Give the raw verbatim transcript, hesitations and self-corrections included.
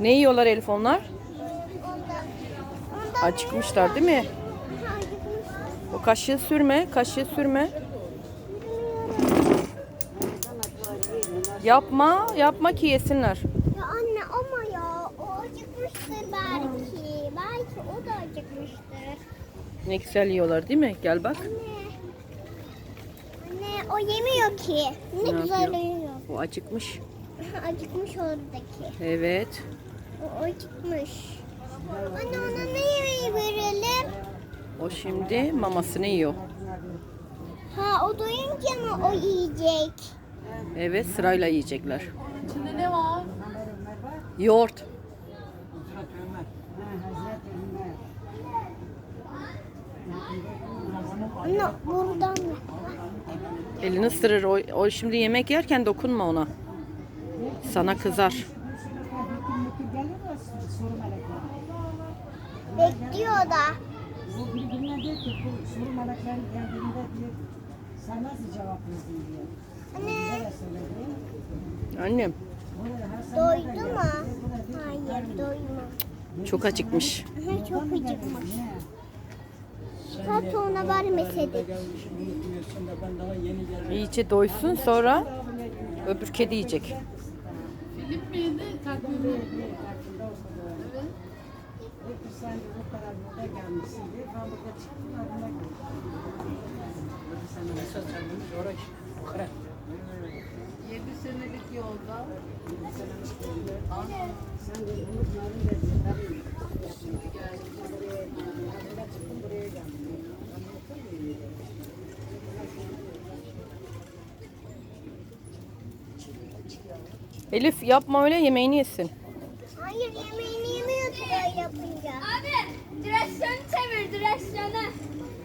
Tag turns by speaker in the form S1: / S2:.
S1: Ne yiyorlar Elif onlar?
S2: Ondan, ondan
S1: Acıkmışlar değil mi?
S2: Ha, acıkmışlar.
S1: O kaşığı sürme, kaşığı sürme. Yapma, yapma ki yesinler.
S2: Ya anne ama ya o acıkmıştır belki. Belki o da acıkmıştır.
S1: Ne güzel yiyorlar değil mi? Gel bak.
S2: Anne. Anne o yemiyor ki. Ne,
S1: Ne
S2: güzel
S1: yapıyor?
S2: yiyor.
S1: O acıkmış.
S2: Acıkmış oradaki.
S1: Evet.
S2: O acıkmış. Anne ona ne yemeği verelim?
S1: O şimdi mamasını yiyor.
S2: Ha o doyunca mı o yiyecek?
S1: Evet, sırayla yiyecekler.
S3: İçinde ne var?
S1: Yoğurt.
S2: Anne buradan mı?
S1: Elini ısırır. O, o şimdi yemek yerken dokunma ona. Sana kızar.
S2: Bekliyor da.
S4: Bu birbirine diyor ki bu soru meleklerin geldiğinde diyor sen nasıl cevap verdin diyor.
S2: Anne
S4: Böyle söyledi.
S1: Annem
S2: doydu mu? Hayır doymadı.
S1: çok acıkmış.
S2: Aha, çok acıkmış. Zaten ona vermeseydik.
S1: İyice doysun, sonra öbür kedi yiyecek.
S3: Filip miydi? Takvimi. Evet.
S4: Peki sen bu kadar burada gelmişsin diye ben burada çıktım adına geldim. Sana mesaj almış oraya.
S3: Yedi senelik yolda.
S4: Sen de unutmadın dedi. Tabii. Buraya çıktım buraya geldim.
S1: Elif yapma öyle, yemeğini yesin.
S2: Hayır yemeğini yemiyor ki böyle yapınca.
S5: Abi direksiyonu çevir direksiyonu.